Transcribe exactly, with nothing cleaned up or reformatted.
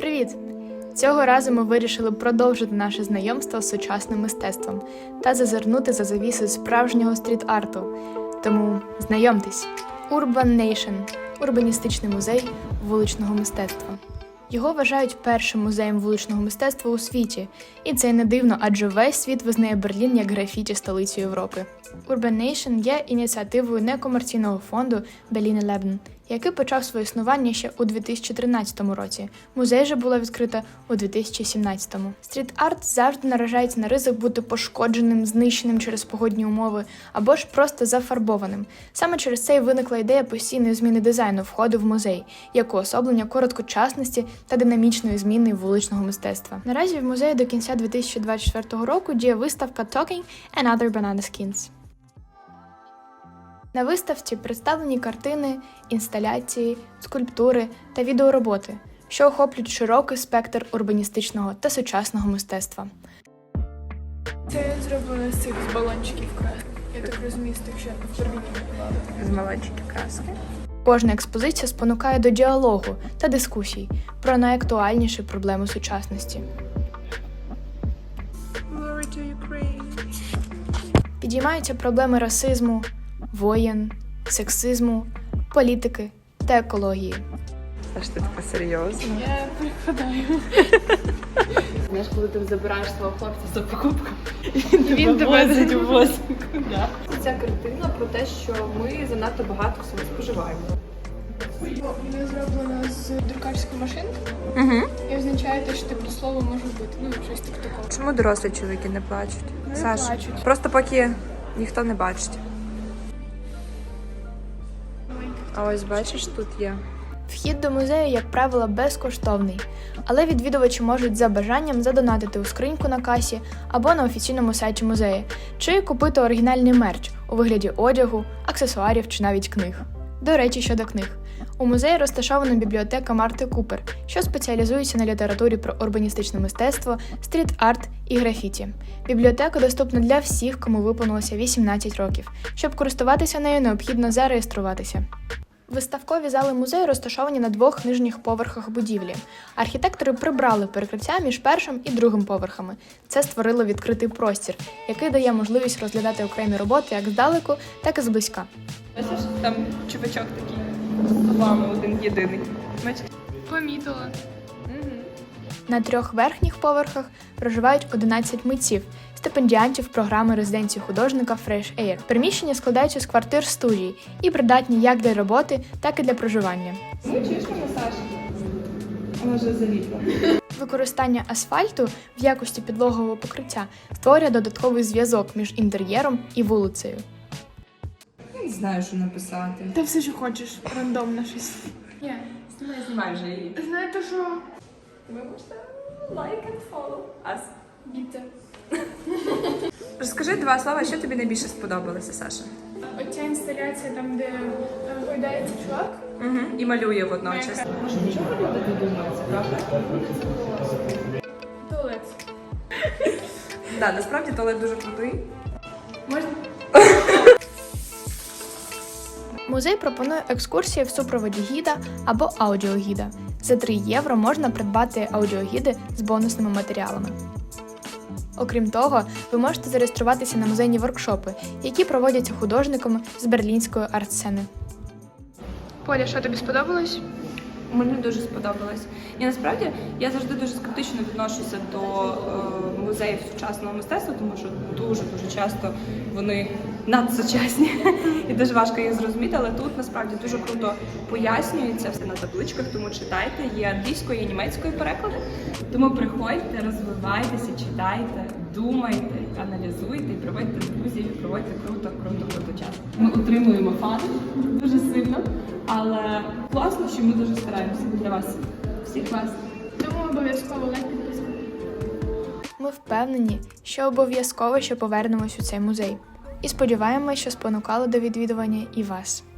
Привіт! Цього разу ми вирішили продовжити наше знайомство з сучасним мистецтвом та зазирнути за завіси справжнього стріт-арту. Тому знайомтесь! Urban Nation – урбаністичний музей вуличного мистецтва. Його вважають першим музеєм вуличного мистецтва у світі. І це й не дивно, адже весь світ визнає Берлін як графіті столицю Європи. Urban Nation є ініціативою некомерційного фонду Berliner Leben, який почав своє існування ще у дві тисячі тринадцятому році. Музей же було відкрито у дві тисячі сімнадцятому. Стріт-арт завжди наражається на ризик бути пошкодженим, знищеним через погодні умови або ж просто зафарбованим. Саме через це й виникла ідея постійної зміни дизайну входу в музей, як уособлення короткочасності та динамічної зміни вуличного мистецтва. Наразі в музеї до кінця дві тисячі двадцять четвертого року діє виставка Talking and Other Banana Skins. На виставці представлені картини, інсталяції, скульптури та відеороботи, що охоплюють широкий спектр урбаністичного та сучасного мистецтва. Це зроблено з цих з балончиків краски. Я так розумію, з тих, що в Берліні купували. З малечиків краски. Кожна експозиція спонукає до діалогу та дискусій про найактуальніші проблеми сучасності. Glory to Ukraine. Підіймаються проблеми расизму, воєн, сексизму, політики та екології. Аж ти така серйозна. Я прикладаю. Знаєш, коли ти забираєш свого хлопця за покупку, Він тебе возить у восьмику. Да. Ця картина про те, що ми занадто багато всього споживаємо. Вона зроблена з друкарської машинки. Угу. І означає те, що типу слово може бути. Ну, щось таке такого. Чому дорослі чоловіки не плачуть? Не Саша, плачуть. просто поки ніхто не бачить. А ось бачиш, тут є. Вхід до музею, як правило, безкоштовний, але відвідувачі можуть за бажанням задонатити у скриньку на касі або на офіційному сайті музею, чи купити оригінальний мерч у вигляді одягу, аксесуарів чи навіть книг. До речі, щодо книг. У музеї розташована бібліотека Марти Купер, що спеціалізується на літературі про урбаністичне мистецтво, стріт-арт і графіті. Бібліотека доступна для всіх, кому виповнилося вісімнадцять років. Щоб користуватися нею, необхідно зареєструватися. Виставкові зали музею розташовані на двох нижніх поверхах будівлі. Архітектори прибрали перекриття між першим і другим поверхами. Це створило відкритий простір, який дає можливість розглядати окремі роботи як здалеку, так і зблизька. Бачиш, там чувачок такий з вами один єдиний. Бачиш? Помітила. На трьох верхніх поверхах проживають одинадцять митців, стипендіантів програми резиденції художника Fresh Air. Приміщення складаються з квартир-студій і придатні як для роботи, так і для проживання. Чуєш мене, Саша? Вона вже заліпла. Використання асфальту в якості підлогового покриття створює додатковий зв'язок між інтер'єром і вулицею. Я не знаю, що написати. Та все, що хочеш. Рандомно щось. Ні. Знімай, знімай вже її. Знаєте що? Ви можете like and follow us. Діти. Розкажи два слова, що тобі найбільше сподобалося, Саша? Оця інсталяція там, де е, гойдається чувак. Угу. І малює водночас. Може, нічого люди не думаються, правда? Туалет. Да, насправді туалет дуже крутий. Можна? Музей пропонує екскурсії в супроводі гіда або аудіогіда. За три євро можна придбати аудіогіди з бонусними матеріалами. Окрім того, ви можете зареєструватися на музейні воркшопи, які проводяться художниками з берлінської арт-сцени. Поля, що тобі сподобалось? Мені дуже сподобалось. І насправді я завжди дуже скептично відношуся до е, музеїв сучасного мистецтва, тому що дуже-дуже часто вони надсучасні і дуже важко їх зрозуміти, але тут насправді дуже круто пояснюється все на табличках, тому читайте, є англійською і німецькою переклади. Тому приходьте, розвивайтеся, читайте, думайте, аналізуйте і проводьте друзів, і проводьте круто, круто, круто час. Ми отримуємо фани дуже сильно, але класно, що ми дуже стараємося для вас, всіх вас. Тому обов'язково лайк, підписка. Ми впевнені, що обов'язково ще повернемось у цей музей. І сподіваємось, що спонукало до відвідування і вас.